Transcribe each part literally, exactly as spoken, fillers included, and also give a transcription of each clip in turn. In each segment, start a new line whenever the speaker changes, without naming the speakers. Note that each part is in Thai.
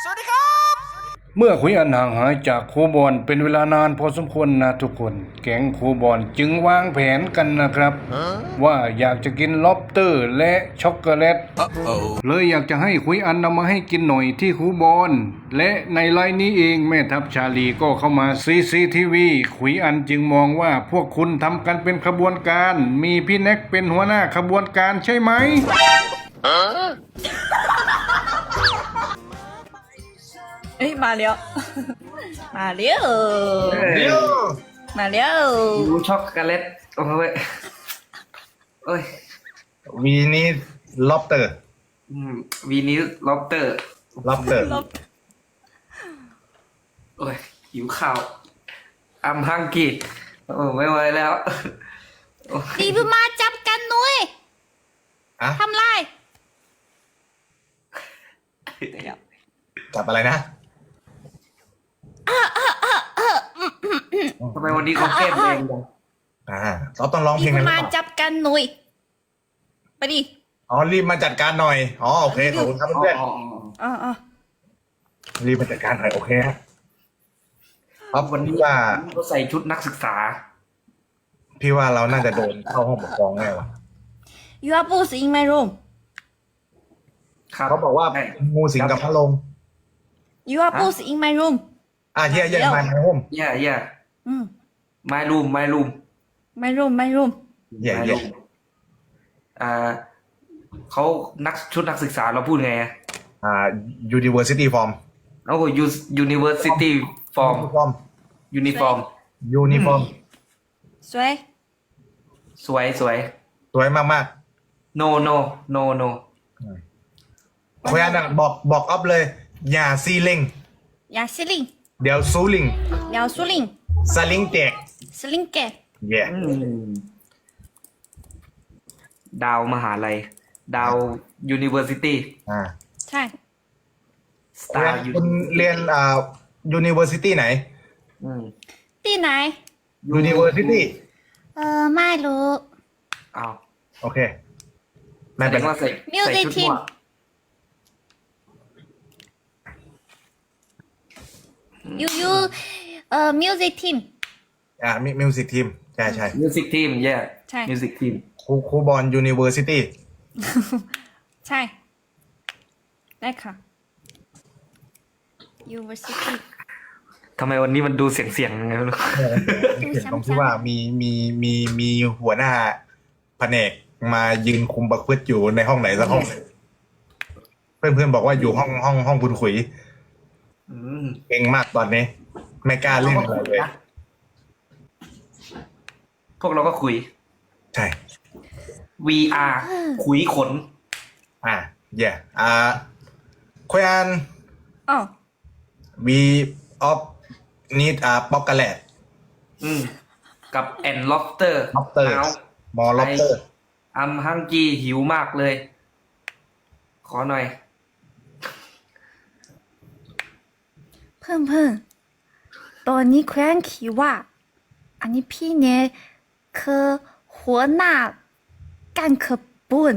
สวัสดีครับ
เมื่อขุยอันห่างหายจากครูบอลเป็นเวลานานพอสมควรนะทุกคนแก๊งครูบอลจึงวางแผนกันนะครับว่าอยากจะกินล็อบสเตอร์และช็อกโกแลตเลยอยากจะให้ขุยอันนำมาให้กินหน่อยที่ครูบอลและในไลน์นี้เองแม่ทัพชาลีก็เข้ามา ซี ซี ที วี ขุยอันจึงมองว่าพวกคุณทำกันเป็นขบวนการมีพี่แน็กเป็นหัวหน้าขบวนการใช่ไหม
เอ้ยมาแล้ว มาแล้ว
เดี๋ยว
มาแล้ว
ดูช็อกโกแลตโอ้ยโอ้ย
วีนี้ล็อบเตอร์
อืมวีนิสล็อบเตอร์
ล็อบเตอร์
ลบ
โอ้ยหิวข้าวอัมฮังกี้โอ้ไม่ไหวแล้วโอ้ย
ดีบุมาจับกันหน่อย
อะ
ทำไร
จับอะไรนะ
ทำไมวันนี้เขาแก้มแดงจัง
อ่าเราต้องร้องเพ
ดี
ลง
บุ
กันหรือ
มา
เปล่า
จับกันหน่อยไปดิ
อ๋อรีบมาจัดการหน่อยอ๋อโอเคขอบคุณครับ
อ๋อ
เพื่อน
อ๋ออ๋อ
อ๋ออ๋อ
รีบมาจัดการหน่อยโอเคฮะครับ
วันนี้
ว่า
เขาใส่ชุดนักศึกษา
พี่ว่าเราน่าจะโดนเข้าห้องปกครองแน่ว่ะ
ยูอาบูสอิงไมรูม
ครับ
เขาบอกว่า
ใช่
งูสิงกับพระลง
ยูอาบูสอิงไมรูม
อ่ะเยี่ยเยี่ยมาในห้อง
แย่แย่
อืม
ไม้รูมไม้รูม
ไมรูมไมรูม
เยี่ย
ไม้
เยี่ย
รูมอ่าเขานักชุดนักศึกษาเราพูดไงอะ
อ่า university form
โอ้โห university form
form
uniform
uniform
สวย
สวยสวย
สวยมาก
no no no no
ๆคุยอันน่ะบอกบอกออฟเลย อย่าซีลิง
ยาซิลิง
เดี๋ยวซูลิง
ยาวซูลิง
สลิงแจก
สลิงแก
เย่
อืมดาวมหาลัย ดาว university
อ่า
ใช่
star
คุณเรียนอ่า university ไหน
อืม
ที่ไหน
university
เออไม่รู้
อ้าว
โอเค ไม่
แสด
เป็น
ง
ไร
ว่าใส่ใส่
Music
ชุด
team
มั่ว
ยูยูเอ่อมิวสิกทีม
อ่ามีมิวสิกทีมใช่ใช่
music team yeah
ใช่
music team
ครูครูบอล university
ใช่ ได้ค่ะ University
ทำไมวันนี้มันดูเสียงเสียงๆยังไงไม่รู้
เห็นตรงที่ว่ามีมีมีมีหัวหน้าแผนกมายืนคุมประพฤติอยู่ในห้องไหนสักห้องหนึ่งเพื่อนเพื่อนๆบอกว่าอยู่ห้องห้องห้องคุณขุย
อืม
เก่งมากตอนนี้ ไม่กล้าเล่นอะไรเลย
พวกเราก็คุย
ใช่
วี อาร์ คุยขน
อ่าเย่อ่าคุยอัน
อ๋อ
we of need อ่าป๊อกกะแลต
อืม กับแอนล็อบสเตอร์
lobster มอ lobster
อัมฮังกีหิวมากเลย ขอหน่อย
เพื่อนเพื่อนตอนนี้แคว้นคิดว่า อันนี้พี่เนี่ยคือหัวหน้าการขบวน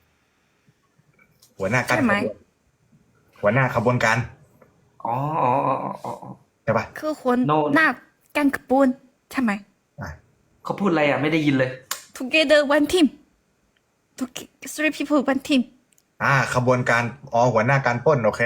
หัวหน้าการ
ใช่ไหม
ขบวนหัวหน้าขบวนการ
อ๋ออ๋ออ๋ออ๋อ
ใช่ปะ
คือหัว
No
หน้าการขบวนใช่ไหม
อ่า
เขาพูดอะไรอ่ะ ไม่ได้ยินเลย
Together one team Toge- three people one team
อ่า ขบวนการอ๋อหัวหน้าการปล้นโอเค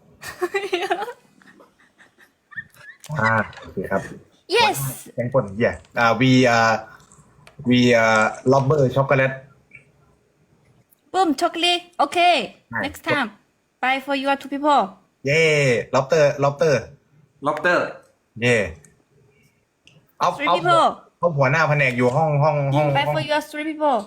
อ่าโอเคครับ
yes
แกงปล้น yeah อ่า we อ่า we อ่า lobster ช็อกโกแลต
boom chocolate okay
Nice.
next time bye for you two people
เย่ lobster lobster
ล็อบสเตอร์
เย่เอา
three
เอา
people
เอาหัวหน้าแผนกอยู่ห้องห้องห้อง
bye
ห้อง
for you three people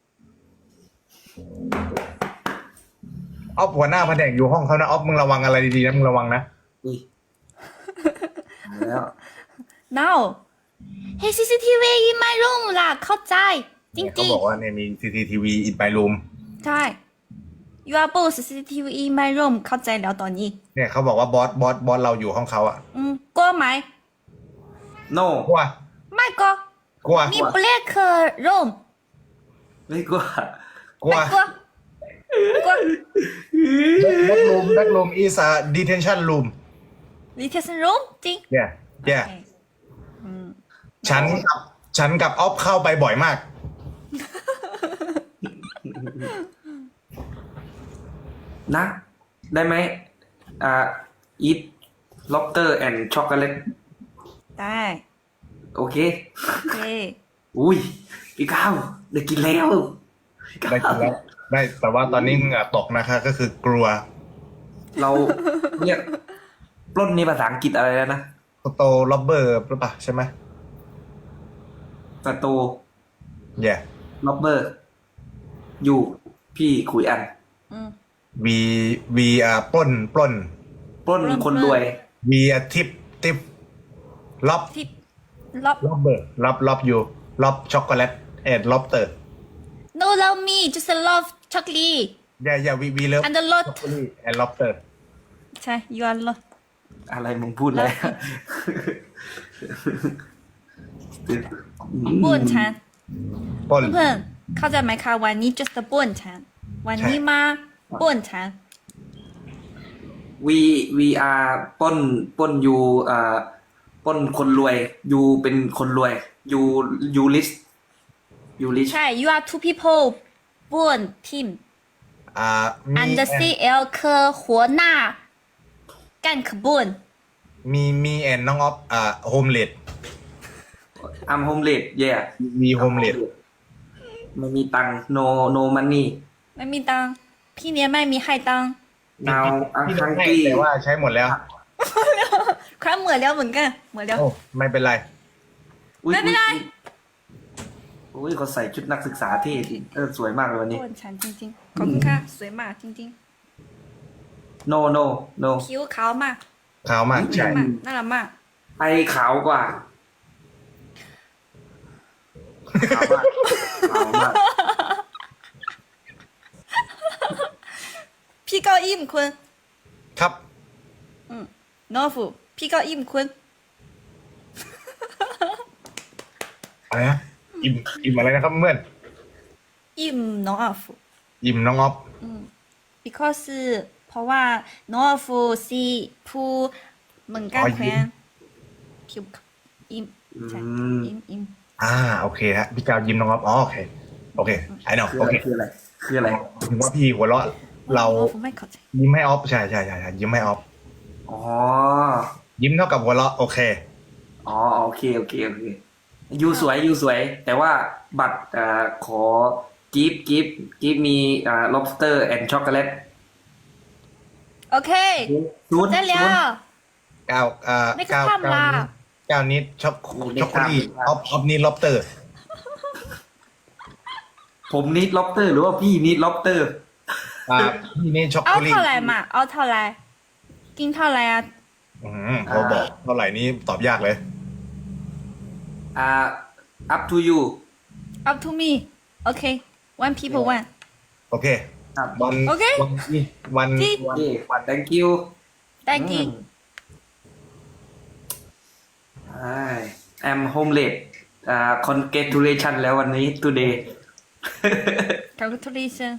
เอาหัวหน้าแผนกอยู่ห้องเขานะออฟมึงระวังอะไรดีๆนะมึงระวังนะ
อุ้ยแล้ว
now hey ซี ซี ที วี in my room ล่ะเข้าใจจ
เนี่ยเขา
ริง
บอกว่าเนี่ยมี ซี ซี ที วี in my room
ๆใช่ you are both ซี ซี ที วี in my room เข้าใจแล้วตอนนี้
เนี่ยเขาบอกว่าบอสบอสบอสเราอยู่ห้องเขาอะ
อืมกลัวไหม
โน
กลัว
ไม่กลัว
กลัว
มี black room
ไม่กลัว
กลัว
ไม่กลัวกลัว
that room that room is a detention room
detention room จริง
yeah yeah
โอเคอืม
ฉันกับฉันกับออฟเข้าไปบ่อยมาก
นะ ได้ไหมอ่า eat lobster and chocolate
ได้
โอเค
โอเค
อุ้ยพี่ก้าวได้กินแล้วพี่ก้าว
ได้กินแล้วได้แต่ว่าตอนนี้เหงื่อตกนะคะ ก็คือกลัว
เราเนี่ยปล้นนี่ภาษาอังกฤษอะไรแล้วนะ
โตล็อบเบอร์หรือเปล่าใช่ไหม
สตู
yeah
ล็อบเบอร์ อยู่พี่ขุยอัน
อืม
we we อ่าปล้นปล้น
ปล้นคนรวย
we อ่าทิปทิปล็อบ
ที่รอบ
ล็อบเบอร์ล็อบล็อบอยู่ล็อบช็อกโกแลตแอนด์ล็อบเตอร์
no love me just love chocolate
yeah yeah we we love
and the lot
chocolate and lobster
ใช่ you are lot
อะไรมึงพูดเลย
บ้วนฉัน
ปล้น
เพื่อนๆเข้าใจไหมคะวันนี้ just บ้วนฉันวันนี้มาบ้วนฉัน
we we are ปล้นปล้นอยู่อ่าปล้นคนรวยอยู่เป็นคนรวยอยู่อยู่ลิสอยู่ลิส
ใช่ you are two people บ้วน team
อ่ามี
and the C L คือหัวหน้ากันขบวน
มีมีแอนน้องออฟอ่าโฮมเลด
อัมโฮมเลดเย่
มีโฮมเลด
ไม่มีตัง no no money
ไม่มีตังค์พี่เนี้ยไม่มีให้ตังค์
now อัง
พี่
คัง
ให้
กี้
แต่ว่าใช้หมดแล้ว
ครับเหมือนแล้วเหมือนกันเหมือนแล้ว
โอ้ไม่เป็นไร
อุ๊ย
ไม่เป็นไร
โอ้ยเขาใส่ชุดนักศึกษาเท่จริงเออสวยมากเลยวันนี้
บ้วนฉันจริงๆขอบคุณค่ะสวยมากจริง
no no no
ๆคิ้วขาวมาก
ขาวมากใช่
มากน่ารักมาก
ไอขาวกว่าขาวมากขาวมาก
พี่เก้าอี้มคุณ
ครับ
โนฟูพี่เก้าอี้มคุณ
อะไรนะอิ่มอิ่มอะไรนะครับเพื่อน
อิ่มน้องอาฟู
อิ่มน้องออฟ
because เพราะว่าน้องอาฟูซีผู้เหมือนกันแควนคิวอิ่มใช่อิ่มอิ่ม
อ่าโอเคฮะพี่กาวยิ้มน้องออฟอ๋อโอเคโอเคไอ้น้อง
คือ
โอ
อะไร
เค
คืออะไรคืออะไร
ถึงว่าพี่หัวเราะเรา
น้องอาฟูไม่เข้าใจ
ยิ้มให้ออฟใช่ใช่ใช่ใช่ยิ้มให้ออฟ
อ๋อ
ยิ้มเท่ากับหัวเราะโอเค
อ๋อโอเคโอเคโอเคยูสวยยูสวย แต่ว่าบัตรอ่าขอกิฟกิฟกิฟมีอ่า lobster and chocolate
โอเค
ศูนย์
ได้แล้
ศูนย์
ว
กาวอ่า
ไม่
กาว
ข้าม
กาว
ล่ะ
นี้กาวนี้ช็อก
ไม่
ช็อกโก
ข้าม
แลตออฟออฟนี่ล็อบเตอร์
ผมนิด lobster หรือว่าพี่นิด lobster
อ่าพี่นี่ช็อก
เอา
โกแลต
เท่าไหร่มาเอาเท่าไหร่กินเท่าไหร่อ่ะ
อืมพอบอกเท่าไหร่นี้ตอบยากเลย
อ่า up to you
up to me โอเค one people one
โอเค
ครับ
วัน
โอเค
วันนี้วัน
ที่
วัน
โอเค
วัน
thank you
thank you
ใช่ I'm homeless อ่า congratulation แล้ววันนี้ today
congratulation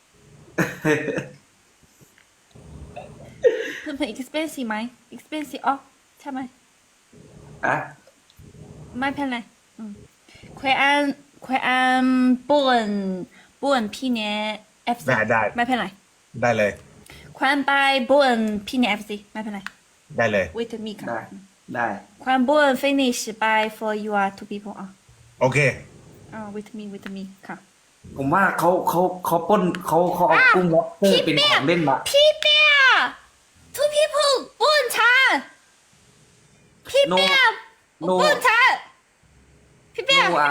เพื่อนๆ expensive ไหม expensive อ๋อใช่ไหม
อ่ะ
ไม่เป็นไรอืมควยอันควยอันป่วนป่วนพี่เนี้ย F C
ได้ได้
ไม่เป็นไร
ได้เลย
ควยอันไปป่วนพี่เนี้ย F C ไม่เป็นไร
ได้เลย
wait me ค่ะ
ได้ได้
ควยอันป่วน finish by for you are two people อ่ะ
โอเค
อ่า wait me wait me ค่ะ
ผมว่าเขาเขาเขาปล้นเขาเขาเอากุ้ง lobster เป็นของเล่นมา
พี่เปีย two people ป่วนฉันพี่เปีย
No
ป่วนฉันพี่เปีย
no อ่า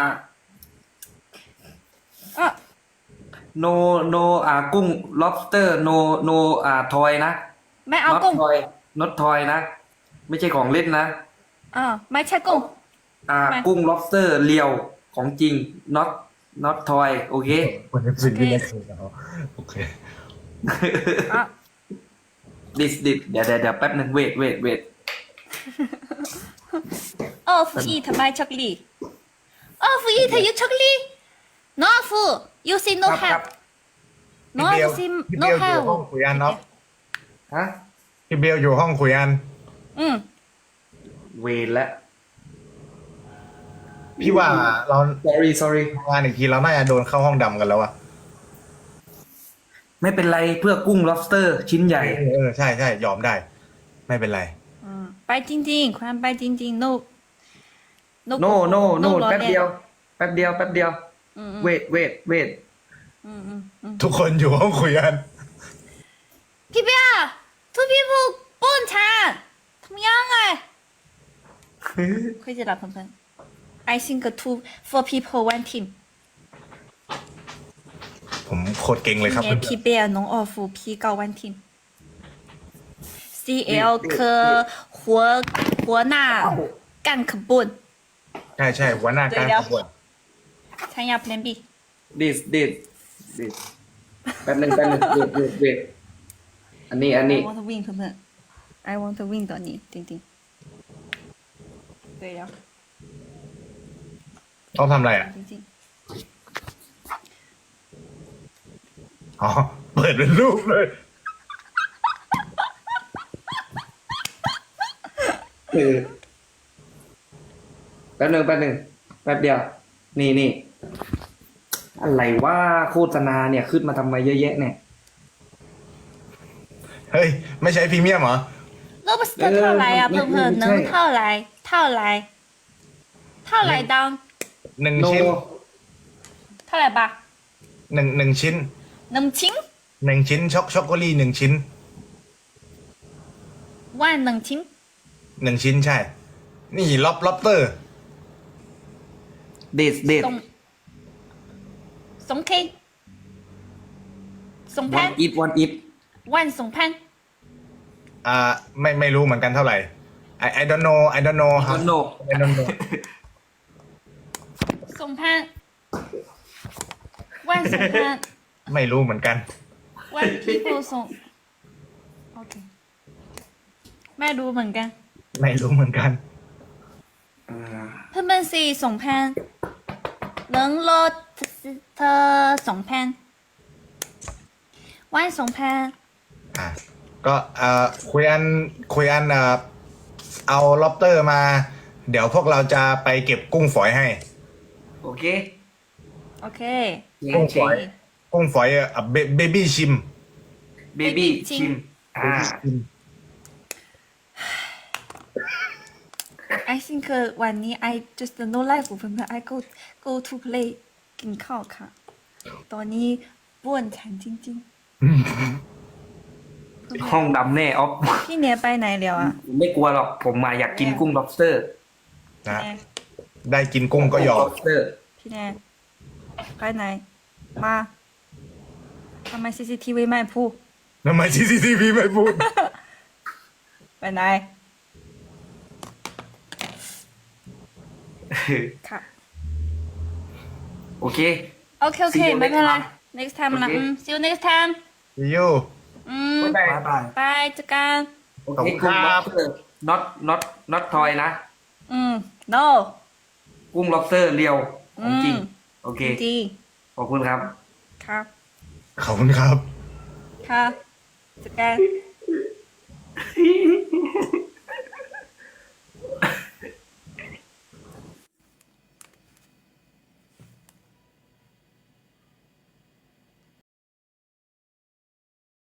อ่ะ
no no อ่ากุ้ง lobster no no อ่า toy นะ
ไม่เอา
not
กุ้ง
toy not toy นะ ไม่ใช่ของเล่นนะ
อ่าไม่ใช่กุ้ง
อ่า
ไม่
กุ้ง lobster เรียวของจริง not not toy โอเค
คนนี้สิ่งที่ไม่เคยเอาโอเค
อ่ะ
this this เดี๋ยวเดี๋ยวเดี๋ยวแป๊บหนึง wait wait wait
โอ้ฟูอีทำไมช็อกโกแลตโอ้ฟูอีเธอยูช็อกโกแลต no ฟู you say no
ครับครั
have
บ
no
พี่เบล
sim
พี่
no
เบลอยู่ห้อง
have
คุยอันเนาะ
ฮะ
พี่เบลอยู่ห้องคุยอัน
อืม
เวรแล้ว
พี่ว่าเรา
sorry sorry
ทำงานอีกทีเราน่าจะโดนเข้าห้องดำกันแล้วอะ
ไม่เป็นไรเพื่อกุ้ง lobster ชิ้นใหญ่
เออเออใช่ใช่ยอมได้ ไม่เป็นไร
อืมไปจริงๆความไปจริงๆ no
no no no
ล้อ
แป๊บ
ล่น
เดียว แป๊บเดียว แป๊บเดียว
อืมอืม
wait wait wait
อืมอืมอืม
ทุกคนอยู่ห้องคุยอัน
พี่เบียร์ two people ปนฉันทำยังไงคุยจะรับเพื่อนๆ I think two four people one team
ผมโคตรเก่งเลยครับ
เนี่ยพี่เบียร์น้องออฟูพี่เก้า one team C L คือหัวหัวหน้าการขบวน
ใช่ใช่หัวหน้าการ
เดี๋ยว
ขบวน
ฉันอยากเป็น B
this this this แป๊บหนึงแป๊บหนึง wait wait wait อันนี้ อันนี้
I want to win เพื่อนๆ I want to win ตอนนี้จริงๆ对呀，
ต้องทำอะไรอ่ะ
จริง
อ๋อ เปิดเป็นรูปเลย
เออแป๊บหนึงแป๊บหนึงแป๊บเดียว นี่นี่อะไรว่าโฆษณาเนี่ยขึ้นมาทำไมเยอะแยะเนี่ย
เฮ้ย ไม่ใช่พรีเมียมเหรอ
ๆ lobster เท่าไหร่อ่ะ
ไม่
เพื่อนๆ
ไม่
能
ใช่
เท่าไหร่เท่าไหร่เท่าไหร่ดัง
หนึ่ง
โน
ชิ้น
เท่าไหร่บะ
หนึ่งหนึ่งชิ้น
หนึ่งชิ้น
หนึ่งชิ้นช็อกช็อกโกแลตหนึ่งชิ้น
วันหนึ่งชิ้น
หนึ่งชิ้นใช่ นี่ล็อบล็อบเตอร์
เดทเดท
สองสองเคสองพั
วัน นอีทวันอีท
วันสองพัน
อ่า ไม่ไม่รู้เหมือนกันเท่าไหร่ I I don't know I don't know
คอนโด
I don't know
สองพันวันสองพัน
ไม่รู้เหมือนกัน
วัน people ส่งโอเคไม่รู้เหมือนกัน
ไม่รู้เหมือนกัน
เพื่อนๆสี่สองพัน能ลดเธอสองพันวันสองพัน
อ่ะก็เอ่อคุยอันคุยอันเอ่อเอาล็อบเตอร์มา เดี๋ยวพวกเราจะไปเก็บกุ้งฝอยให้
โอเค
โอเค
กุ้งฝอย กุ้งฝอยเอ่อเบบี้ชิม
เบบี้
จริง
ชิม อ่า
I think วันนี้ I just no life เพื่อนๆ I go go to play กินข้าวค่ะ ตอนนี้บ้วนฉันจริง
ห้องดำแน่ออฟ
ๆ พี่เนียไปไหนแล้วอ่ะ
ไม่กลัวหรอก ผมมาอยากกินกุ้ง lobster
นะ
แน่
ได้กินกุ้งก็ยอม
lobster
พี่เนียไปไหน มาทำไม ซี ซี ที วี ไม่พูด
ทำไมซีซีทีวีไม่พูด
ไปไหน ค่ะ
โอเค
โอเค โอเค
See you
ไม่เป็นไร
next
next
time
time ละ
โอเค
อืม see you next time
ยู
อืม
บ๊ายบาย
ไปเจอกัน
โอเคกุ้ง lobster not not not toy นะ
อืม no
กุ้ง lobster เรียวของจริง
อืม
โอเค
จริง
ขอบคุณครับ
ครับ
ขอบคุณครับ
ค่ะเจอกัน